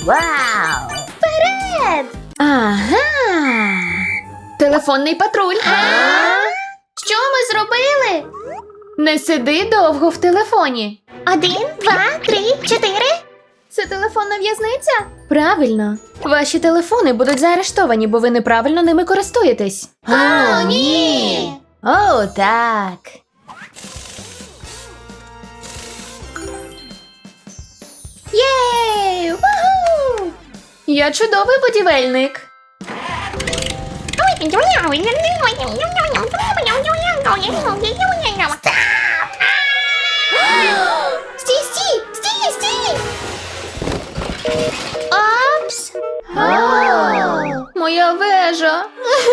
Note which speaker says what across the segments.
Speaker 1: Вау!
Speaker 2: Вперед!
Speaker 3: Ага. Телефонний патруль.
Speaker 2: Що ми зробили?
Speaker 3: Не сиди довго в телефоні.
Speaker 2: 1, 2, 3, 4.
Speaker 3: Це телефонна в'язниця? Правильно. Ваші телефони будуть заарештовані, бо ви неправильно ними користуєтесь.
Speaker 2: О, ні!
Speaker 3: О, так.
Speaker 2: Єй! Ваху!
Speaker 3: Я чудовий будівельник.
Speaker 2: Стій, стій! Стій, стій! Опс!
Speaker 3: Моя вежа.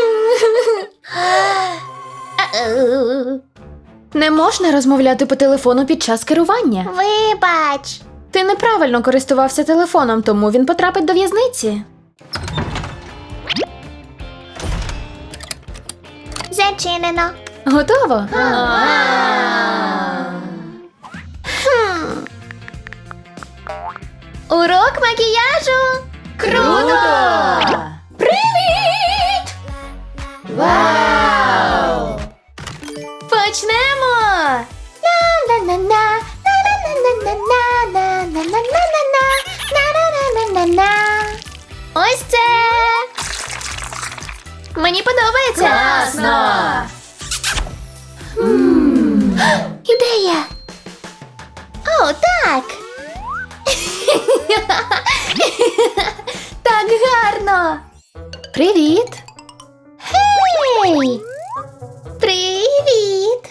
Speaker 3: Не можна розмовляти по телефону під час керування.
Speaker 2: Вибач!
Speaker 3: Ти неправильно користувався телефоном, тому він потрапить до в'язниці.
Speaker 2: Зачинено.
Speaker 3: Готово?
Speaker 2: Урок макіяжу!
Speaker 3: Круто!
Speaker 2: Привіт!
Speaker 3: Вау! Почнемо!
Speaker 2: На-на-на-на, на-на-на-на-на-на-на-на-на-на, на-на-на-на-на-на. Ось це! Мені подобається!
Speaker 3: Класно!
Speaker 2: Ідея! О, так!
Speaker 3: Так гарно! Привіт!
Speaker 2: Гей! Привіт!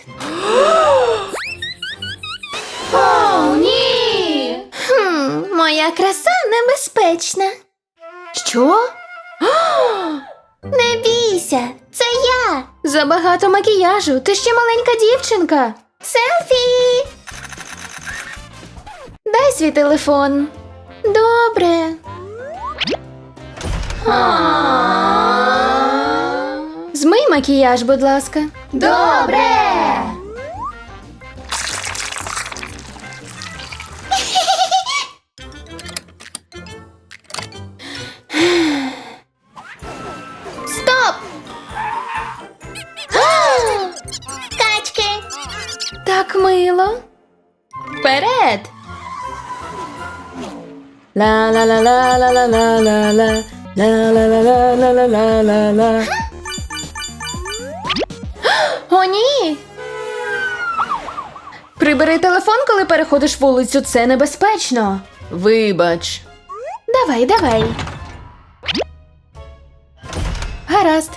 Speaker 3: О, ні!
Speaker 2: Моя краса небезпечна.
Speaker 3: Що?
Speaker 2: Не бійся, це я!
Speaker 3: Забагато макіяжу, ти ще маленька дівчинка.
Speaker 2: Селфі!
Speaker 3: Дай свій телефон.
Speaker 2: Добре.
Speaker 3: Змий макіяж, будь ласка.
Speaker 2: Добре! Стоп! Качки!
Speaker 3: Так мило. Вперед! Ла-ла-ла-ла-ла-ла-ла-ла-ла. Ла-ла-ла-ла-ла-ла-ла-ла. О, ні! Прибери телефон, коли переходиш вулицю, це небезпечно. Вибач. Давай, давай. Гаразд.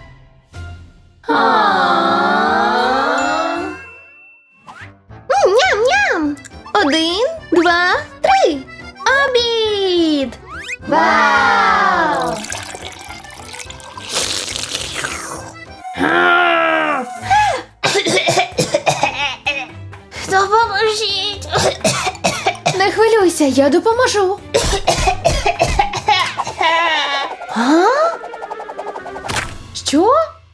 Speaker 2: Ням-ням! 1, 2, 3. Обід!
Speaker 3: Вау!
Speaker 2: Допоможіть!
Speaker 3: Не хвилюйся, я допоможу. А? Що?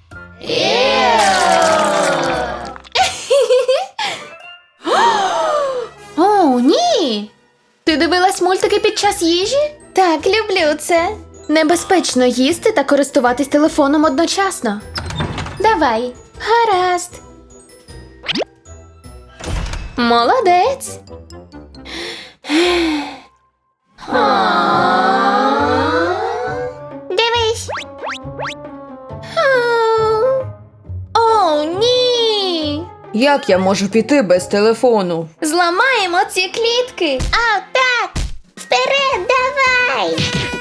Speaker 3: О, ні! Ти дивилась мультики під час їжі?
Speaker 2: Так, люблю це.
Speaker 3: Небезпечно їсти та користуватись телефоном одночасно. Давай.
Speaker 2: Гаразд.
Speaker 3: Молодець.
Speaker 2: Дивись. О, ні!
Speaker 3: Як я можу піти без телефону?
Speaker 2: Зламаємо ці клітки. А, так. Вперед, давай.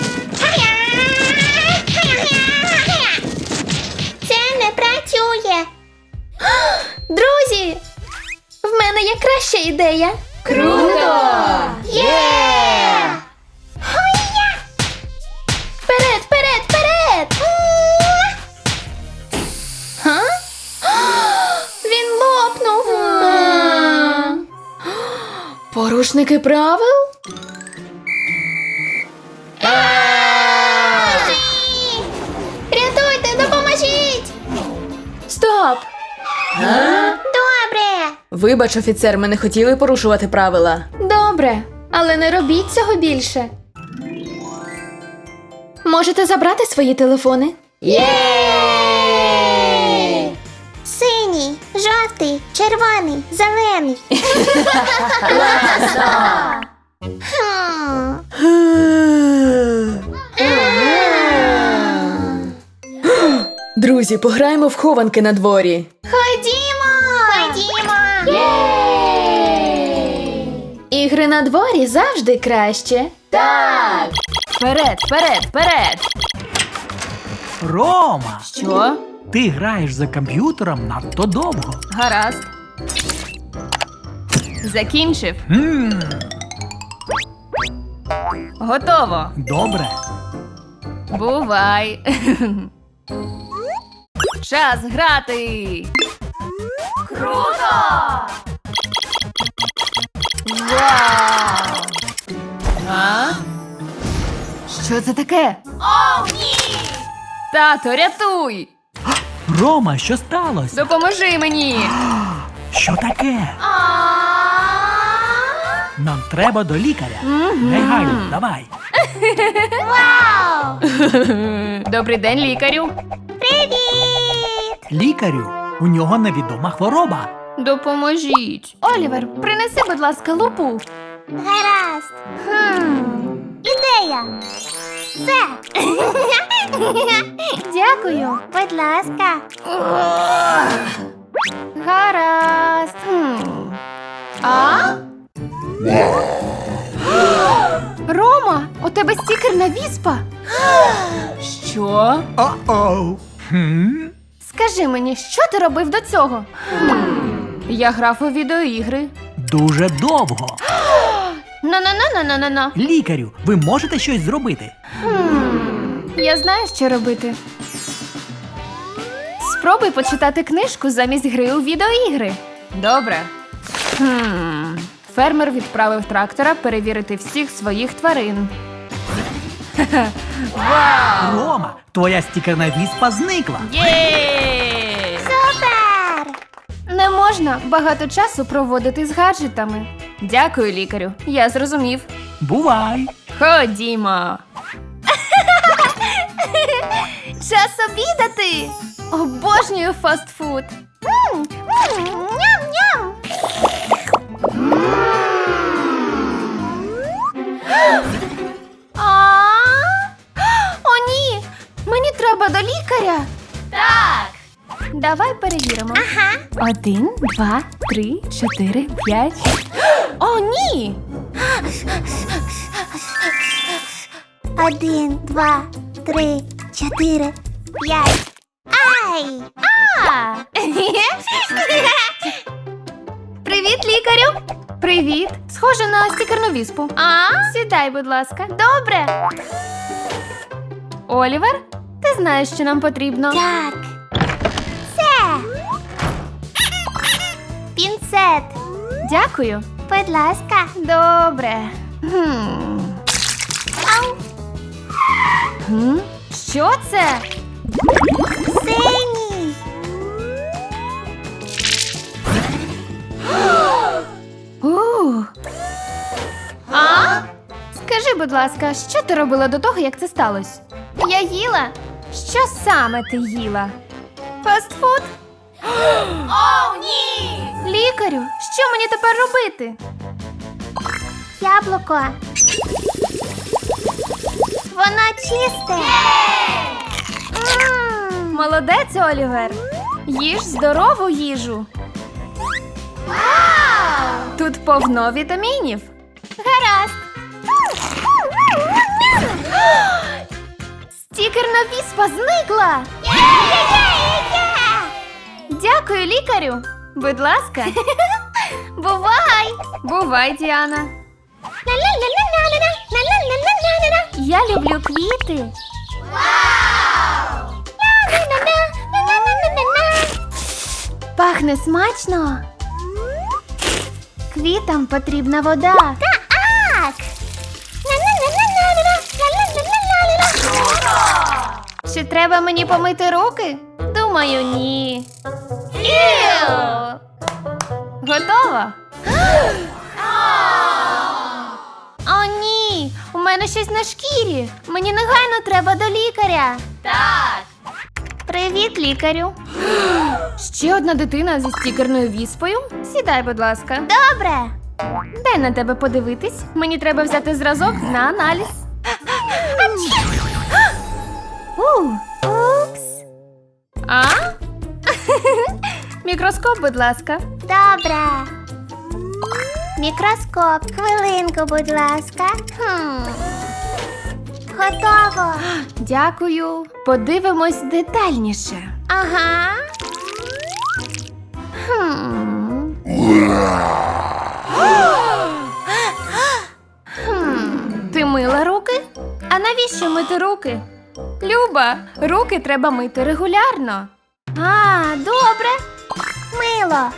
Speaker 2: Це не працює. Друзі, в мене є краща ідея.
Speaker 3: Круто!
Speaker 2: Є! Хой-я! Вперед, вперед, вперед!
Speaker 3: Га?
Speaker 2: Він лопнув.
Speaker 3: Порушники правил?
Speaker 2: Рятуйте, допоможіть!
Speaker 3: Стоп!
Speaker 2: Добре.
Speaker 3: Вибач, офіцер, ми не хотіли порушувати правила. Добре, але не робіть цього більше. Можете забрати свої телефони.
Speaker 2: Синій, жовтий, червоний, зелений.
Speaker 3: Друзі, пограємо в хованки на дворі.
Speaker 2: Ходімо!
Speaker 3: Ігри на дворі завжди краще.
Speaker 2: Так!
Speaker 3: Вперед, вперед, вперед!
Speaker 1: Рома,
Speaker 3: Що?
Speaker 1: ти граєш за комп'ютером надто довго.
Speaker 3: Гаразд. Закінчив. Готово.
Speaker 1: Добре.
Speaker 3: Бувай. Час грати. Круто! Вау! А? Що це таке?
Speaker 2: О, ні!
Speaker 3: Тато, рятуй!
Speaker 1: Рома, що сталося?
Speaker 3: Допоможи мені!
Speaker 1: Що таке? Нам треба до лікаря. Негайно, давай.
Speaker 2: Вау!
Speaker 3: Добрий день, лікарю.
Speaker 2: Привіт!
Speaker 1: Лікарю, у нього невідома хвороба.
Speaker 3: Допоможіть. Олівер, принеси, будь ласка, лупу.
Speaker 2: Гаразд. Ідея. Все.
Speaker 3: Дякую.
Speaker 2: Будь ласка.
Speaker 3: Гаразд. А? Рома, у тебе стікер на віспа. Що?
Speaker 1: О-оу.
Speaker 3: Скажи мені, що ти робив до цього? Я грав у відеоігри.
Speaker 1: Дуже довго.
Speaker 3: На-на-на-на-на-на.
Speaker 1: Лікарю, ви можете щось зробити?
Speaker 3: Я знаю, що робити. Спробуй почитати книжку замість гри у відеоігри. Добре. Фермер відправив трактора перевірити всіх своїх тварин. Вау!
Speaker 1: Рома, твоя стікерна віспа зникла.
Speaker 3: Є!
Speaker 2: Супер!
Speaker 3: Не можна багато часу проводити з гаджетами. Дякую, лікарю. Я зрозумів.
Speaker 1: Бувай.
Speaker 3: Ходімо. Час обідати. Обожнюю фастфуд.
Speaker 2: Ням-ням!
Speaker 3: О, ні! Мені треба до лікаря. Так. Давай перевіримо.
Speaker 2: Ага.
Speaker 3: 1, 2, 3, 4, 5. О, ні!
Speaker 2: 1, 2, 3, 4, 5. Ай!
Speaker 3: А! Привіт, лікарю! Привіт! Схоже на стікерну віспу. Сідай, будь ласка. Добре. Олівер, ти знаєш, що нам потрібно.
Speaker 2: Так. Це. Пінцет.
Speaker 3: Дякую.
Speaker 2: Будь ласка.
Speaker 3: Добре.
Speaker 2: Ау.
Speaker 3: Що це?
Speaker 2: Синій.
Speaker 3: Скажи, будь ласка, що ти робила до того, як це сталося? Я їла. Що саме ти їла? Фастфуд? О, ні! Лікарю, що мені тепер робити?
Speaker 2: Яблуко. Воно чисте.
Speaker 3: Молодець, Олівер. Їж здорову їжу. Тут повно вітамінів.
Speaker 2: Гаразд.
Speaker 3: Стікерна віспа зникла. Дякую, лікарю. Будь ласка.
Speaker 2: Бувай.
Speaker 3: Бувай, Діана.
Speaker 2: Ла-ла-ла-ла-ла-ла-ла-ла-ла-ла-ла.
Speaker 3: Я люблю квіти. Пахне смачно. Квітам потрібна вода.
Speaker 2: Так. Ла-ла-ла-ла-ла-ла-ла-ла-ла-ла.
Speaker 3: Чи треба мені помити руки? Думаю, ні. Готова? О, ні! У мене щось на шкірі. Мені негайно треба до лікаря.
Speaker 2: Так. Привіт, лікарю.
Speaker 3: Ще одна дитина зі стікерною віспою. Сідай, будь ласка.
Speaker 2: Добре.
Speaker 3: Дай на тебе подивитись. Мені треба взяти зразок на аналіз.
Speaker 2: Упс.
Speaker 3: А? Мікроскоп, будь ласка.
Speaker 2: Добре. Мікроскоп. Хвилинку, будь ласка. Готово.
Speaker 3: Дякую. Подивимось детальніше.
Speaker 2: Ага.
Speaker 3: Ти мила руки? А навіщо мити руки? Люба, руки треба мити регулярно.
Speaker 2: А, добре. Мило.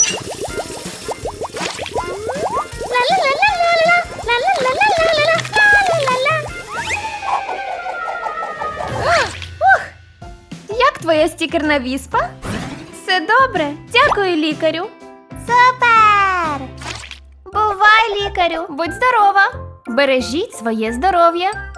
Speaker 2: Ла-ла-ла-ла-ла-ла. Ла-ла-ла-ла-ла-ла. Ла-ла-ла-ла.
Speaker 3: Як твоя стікерна віспа? Все добре. Дякую, лікарю.
Speaker 2: Супер! Бувай, лікарю!
Speaker 3: Будь здорова. Бережіть своє здоров'я.